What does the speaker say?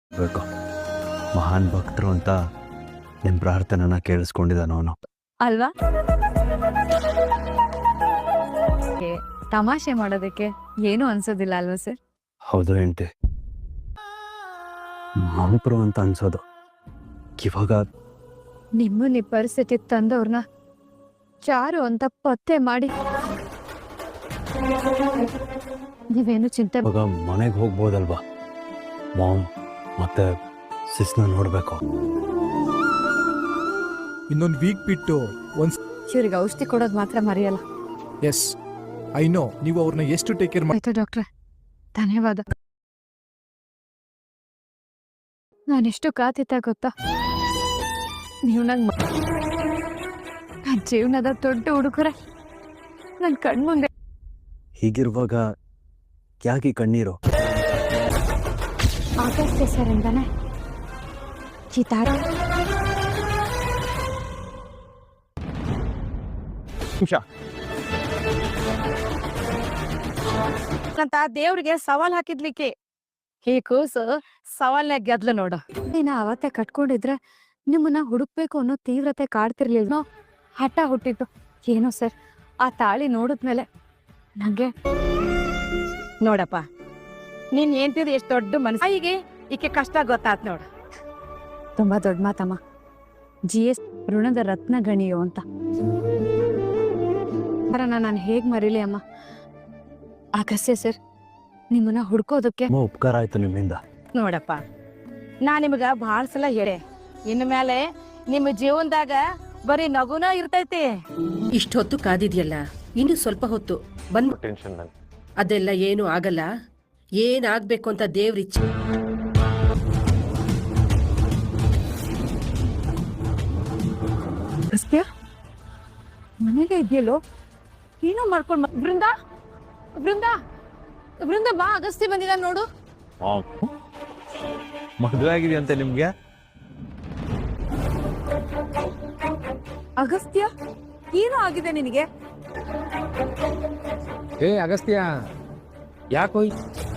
ಬೇಕು ಮಹಾನ್ ಭಕ್ತರು ಅಂತ ನಿಮ್ಮ ಪ್ರಾರ್ಥನೆನ ಕೇಳಿಸ್ಕೊಂಡಿದ್ದಾನ ಅವನು ಅಲ್ವಾ? ತಮಾಷೆ ಮಾಡೋದಕ್ಕೆ ಏನು ಅನ್ಸೋದಿಲ್ಲ ಅಲ್ವಾ ಸರ್? ಹೌದು ಹೆಂಡತಿ, ಮಹಾಪ್ರು ಅಂತ ಅನ್ಸೋದು. ಇವಾಗ ನಿಮ್ಮನ್ನ ಈ ಪರಿಸ್ಥಿತಿ ತಂದವ್ರನ್ನ ಚಾರು ಅಂತ ಪತ್ತೆ ಮಾಡಿ ನೀವೇನು ಚಿಂತೆ ಇವಾಗ ಮನೆಗೆ ಹೋಗ್ಬೋದಲ್ವಾ? ಮಾಮ್ ಮತ್ತೆ ಸಿಸ್ನ ನೋಡ್ಬೇಕು. ಇನ್ನೊಂದು ವೀಕ್ ಬಿಟ್ಟು ಇವ್ರಿಗೆ ಔಷಧಿ ಕೊಡೋದು ಮಾತ್ರ ಮರೆಯಲ್ಲ. ಎಸ್ ಐ ನೋ, ನೀವು ಅವ್ರನ್ನ ಎಷ್ಟು ಟೇಕ್ ಕೇರ್ ಆಯ್ತು ಡಾಕ್ಟ್ರೆ, ಧನ್ಯವಾದ. ನಾನೆಷ್ಟು ಕಾತಿದ್ದ ಗೊತ್ತಾ? ನೀವು ನನ್ನ ಜೀವನದ ದೊಡ್ಡ ಹುಡುಗರೆ ನನ್ನ ಕಣ್ಮುಂದೆ. ಹೀಗಿರುವಾಗ ಯಾಕೆ ಕಣ್ಣೀರು? ಆಗಸ್ತ್ಯ ಸರ್ ಇಂದಾನೆ ಚಿತಾರ ಅಂತ ದೇವ್ರಿಗೆ ಸವಾಲ್ ಹಾಕಿದ್ಲಿಕ್ಕೆ ಈ ಕೂಸು ಸವಾಲ್ನಾಗ ಗೆದ್ಲು ನೋಡು. ನೀನ ಅವತ್ತೆ ಕಟ್ಕೊಂಡಿದ್ರೆ ನಿಮ್ಮನ್ನ ಹುಡುಕ್ಬೇಕು ಅನ್ನೋ ತೀವ್ರತೆ ಕಾಡ್ತಿರ್ಲಿಲ್ಲ. ಹಠ ಹುಟ್ಟಿತ್ತು ಏನೋ ಸರ್. ಆ ತಾಳಿ ನೋಡಿದ್ಮೇಲೆ ನಂಗೆ ನೋಡಪ್ಪ, ನೀನ್ ಏನ್ತಿದ್ ಎಷ್ಟು ದೊಡ್ಡ ಮನಸ್ಸು. ಈಗ ಈಕೆ ಕಷ್ಟ ಗೊತ್ತಾತ್ ನೋಡು. ತುಂಬಾ ದೊಡ್ಡ ಮಾತಮ್ಮ. GS ಋಣದ ರತ್ನ ಗಣಿಯೋ ಅಂತ ನಾನು ಹೇಗ್ ಮರೀಲಿ ಅಮ್ಮ? ಆಗಸ್ತ್ಯ ಸರ್ ನಿಮ್ಮನ್ನ ಹುಡ್ಕೋದಕ್ಕೆ ತುಂಬ ಉಪಕಾರ ಆಯ್ತು ನಿಮ್ಮಿಂದ. ನೋಡಪ್ಪ, ನಾ ನಿಮ್ಗ ಭಾಳ ಸಲ ಹೇಳೆ, ಇನ್ನು ಮೇಲೆ ನಿಮ್ಮ ಜೀವನದಾಗ ಬರೀ ನಗುನ ಇರ್ತೈತಿ. ಇಷ್ಟೊತ್ತು ಕಾದಿದ್ಯಲ್ಲ, ಇನ್ನು ಸ್ವಲ್ಪ ಹೊತ್ತು ಬಂದ್ ಅದೆಲ್ಲ ಏನು ಆಗಲ್ಲ. ಏನಾಗ್ಬೇಕು ಅಂತ ದೇವ್ರಿಚ್ಛೆ. ಅಗಸ್ತ್ಯ ಮನೆಗೆ ಇದೆಯಲ್ಲೋ ಏನೋ ಮಾಡ್ಕೊಂಡ್ ಬೃಂದ ಬೃಂದ ಬೃಂದ ಬಾ, ಅಗಸ್ತ್ಯ ಬಂದಿದ ನೋಡು. ಮದುವೆ ಆಗಿದೆಯಂತೆ ನಿಮ್ಗೆ? ಅಗಸ್ತ್ಯ ಏನೋ ಆಗಿದೆ ನಿನಗೆ? ಏ ಅಗಸ್ತ್ಯ, ಯಾಕೋಯ್